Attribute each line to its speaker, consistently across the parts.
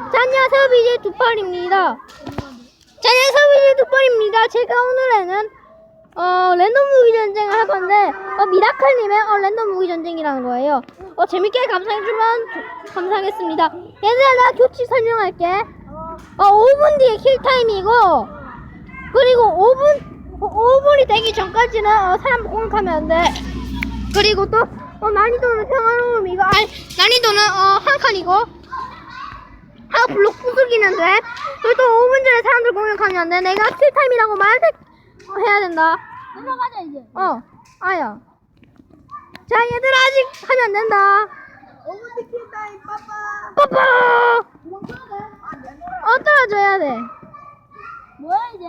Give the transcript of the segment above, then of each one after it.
Speaker 1: 자, 안녕하세요. BJ 두팔입니다. 자, 안녕하세요. BJ 두팔입니다. 제가 오늘에는 랜덤 무기 전쟁을 할 건데 미라클님의 랜덤 무기 전쟁이라는 거예요. 재밌게 감상해주면 감사하겠습니다. 얘들아, 내가 규칙 설명할게. 5분 뒤에 킬타임이고, 그리고 5분이 되기 전까지는 사람 공격하면 안 돼. 그리고 또 난이도는 평화로움이고, 난이도는 한 칸이고, 하나 블록 부수기는 돼. 그리고 또 5분 전에 사람들 공격하면 안 돼. 내가 킬타임이라고 해야 된다.
Speaker 2: 들어가자 이제.
Speaker 1: 아야. 자, 얘들아, 아직 하면 안 된다.
Speaker 2: 5분 뒤 킬타임 빠빠.
Speaker 1: 빠빠!
Speaker 2: 도망가야 돼.
Speaker 1: 떨어져야 돼.
Speaker 2: 뭐야 이제?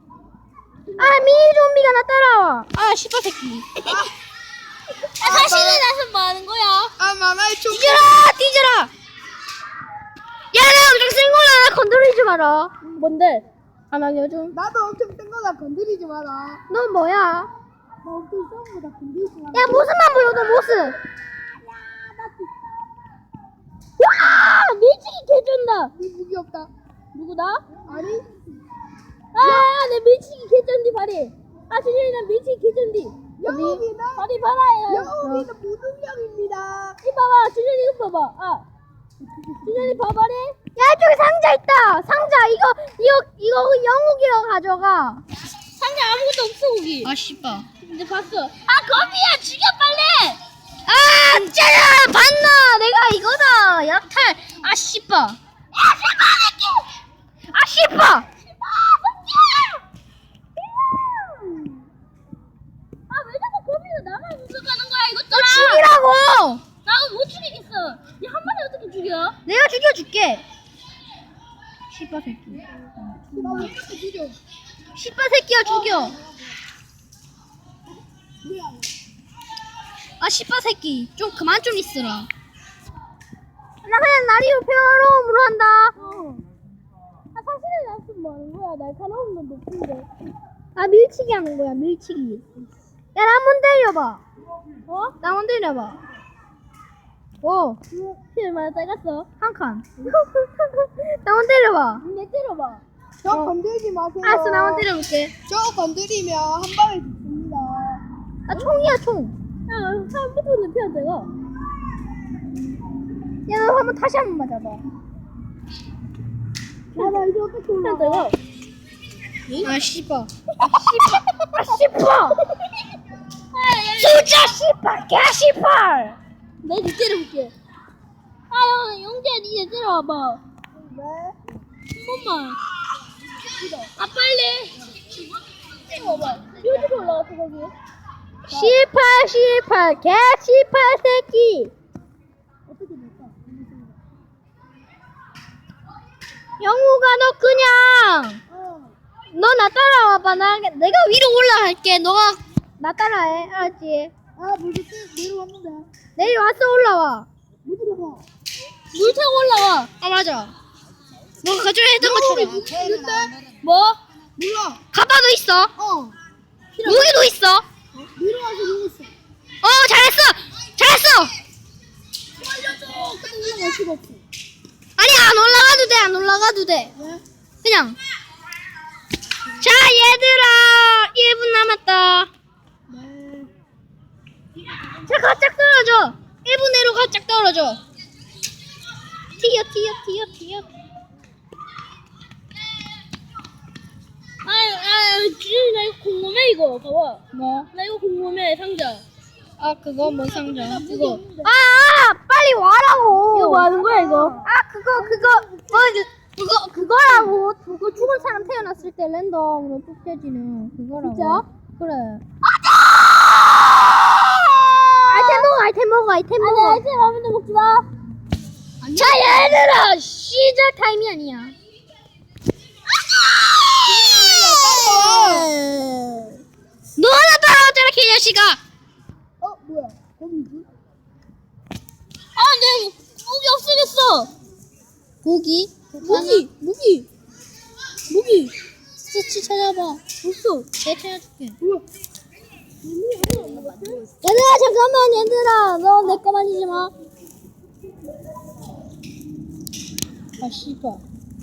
Speaker 1: 미니 좀비가 나 따라와. 씨발 새끼.
Speaker 2: 사실은 나서 뭐 하는 거야?
Speaker 3: 마마의 총.
Speaker 1: 뒤져라! 야, 나 엄청 센 거야. 나 건드리지 마라. 뭔데? 나 요즘.
Speaker 3: 나도 엄청 뜬 거다 건드리지 마라.
Speaker 1: 너 뭐야?
Speaker 3: 나 엄청 뜬 거다 건드리지 마라.
Speaker 1: 야, 모습만 보여도 모습. 와! 밀치기 개쩐다.
Speaker 3: 네 무기 없다.
Speaker 1: 누구다?
Speaker 3: 아니?
Speaker 1: 내 밀치기 개쩐디 발이. 준현이 나 밀치기 개쩐디.
Speaker 3: 영웅이는
Speaker 1: 발이 봐라.
Speaker 3: 영웅이는 무능력입니다.
Speaker 1: 이 봐봐. 준현이 이거 봐봐. 준현이 봐봐래. 야, 저기 상자 있다. 상자 이거 영웅이라고 가져가.
Speaker 2: 상자 아무것도 없어 거기.
Speaker 1: 씨발.
Speaker 2: 근데 봤어. 거미야 죽여 빨리.
Speaker 1: 진짜야! 봤나? 내가 이거다! 약탈! 씨발! 씨발!
Speaker 2: 왜 자꾸 거미가 나만 공격하는 거야
Speaker 1: 너
Speaker 2: 이것들아.
Speaker 1: 죽이라고!
Speaker 2: 나도 못 죽이겠어. 얘 한 마리 어떻게 죽여?
Speaker 1: 내가 죽여줄게! 씨발 새끼.
Speaker 3: 나왜 이렇게 죽여?
Speaker 1: 씨발 새끼야 죽여!
Speaker 3: 뭐야?
Speaker 1: 씨발 새끼. 좀 그만 좀 있으라. 나 그냥 날이로 평화로움으로 한다.
Speaker 2: 사실은 나서 뭐 하는 거야? 날카로움도 높은데.
Speaker 1: 밀치기 하는 거야, 밀치기. 야, 나 한번 때려봐. 나 한번 때려봐.
Speaker 2: 피 얼마나 작았어?
Speaker 1: 한 칸. 나 한번 때려봐.
Speaker 2: 내 때려봐.
Speaker 3: 저 건들지 마세요.
Speaker 1: 알았어, 나 한번 때려볼게.
Speaker 3: 저 건드리면 한 방에 죽습니다.
Speaker 1: 총이야, 총.
Speaker 2: 사람부터는 피안 작아.
Speaker 1: 야, 너 한번 다시 한 번 맞아봐.
Speaker 3: 나 이제 어떻게
Speaker 2: 피안
Speaker 3: 올라가?
Speaker 2: 작아.
Speaker 1: 씨발. 씨발. 진짜 씨발, 개 씨발.
Speaker 2: 내가 니 때려볼게. 영재야 니 때려와봐.
Speaker 3: 네.
Speaker 2: 한 번만. 빨리. 때려와봐. 여기로 올라갔어 거기.
Speaker 1: 씨발, 개 씨발 새끼.
Speaker 3: 어떻게 될까?
Speaker 1: 영우가 너 그냥 너 나 따라와봐. 내가 위로 올라갈게. 너가 나 따라해. 알았지?
Speaker 3: 물도 내려왔는데.
Speaker 1: 내려와서 올라와.
Speaker 3: 못 들어가.
Speaker 1: 물 타고 올라와. 맞아. 너가 가져야 했던 것처럼. 뭐?
Speaker 3: 몰라.
Speaker 1: 가방도 있어. 무기도 있어.
Speaker 3: 내려와서 누웠어.
Speaker 1: 잘했어.
Speaker 3: 알려줘. 근데 올라갈 수가 없어.
Speaker 1: 아니, 안 올라가도 돼.
Speaker 3: 왜?
Speaker 1: 그냥. 자, 얘들아, 1분 남았다.
Speaker 3: 네.
Speaker 1: 자, 가짝 떨어져. 1분 내로 가짝 떨어져. 튀어.
Speaker 2: 주인이 나 이거 궁금해 이거. 봐봐.
Speaker 1: 뭐?
Speaker 2: 나 이거 궁금해 상자.
Speaker 1: 그거 뭔 상자? 그거. 빨리 와라고.
Speaker 2: 이거 뭐 하는 거야 이거?
Speaker 1: 그거라고. 그거 죽은 사람 태어났을 때 랜덤으로 뽑혀지는 그거라고.
Speaker 2: 진짜?
Speaker 1: 그래. 아이템 먹어.
Speaker 2: 아니 아이스 라면도 먹지 마.
Speaker 1: 자, 얘들아, 시작 타임이 아니야. 너 하나 따라왔잖아, 개자식아.
Speaker 3: 뭐야? 거미지?
Speaker 2: 내 고기 없어졌어.
Speaker 1: 고기?
Speaker 2: 무기.
Speaker 1: 스치 찾아봐.
Speaker 2: 없어.
Speaker 1: 내가 찾아줄게.
Speaker 3: 뭐야?
Speaker 1: 얘들아, 잠깐만, 얘들아. 너 내 거 만지지 마. 아 씨발.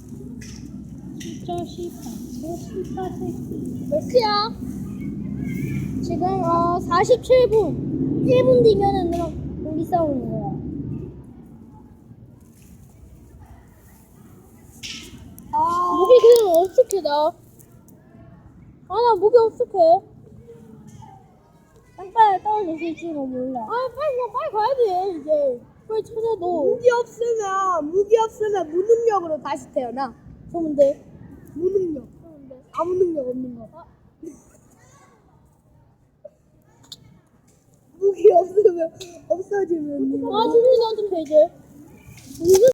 Speaker 1: 진짜 씨발. 저 씨발 새끼.
Speaker 3: 몇 시야?
Speaker 1: 지금 47분. 1분 뒤면은 그럼 우리 싸우는 거야. 무기 그냥 어떻게 나? 나 무기 어떻게? 빨리 떨어질 수 있지는 몰라. 빨리 가야 돼 이제. 빨리 찾아도.
Speaker 3: 무기 없으면 무능력으로 다시 태어나.
Speaker 1: 좋은데.
Speaker 3: 무능력. 아무 능력 없는 거. 무기 없으면 없어지면.
Speaker 1: 지금 나한테 이제.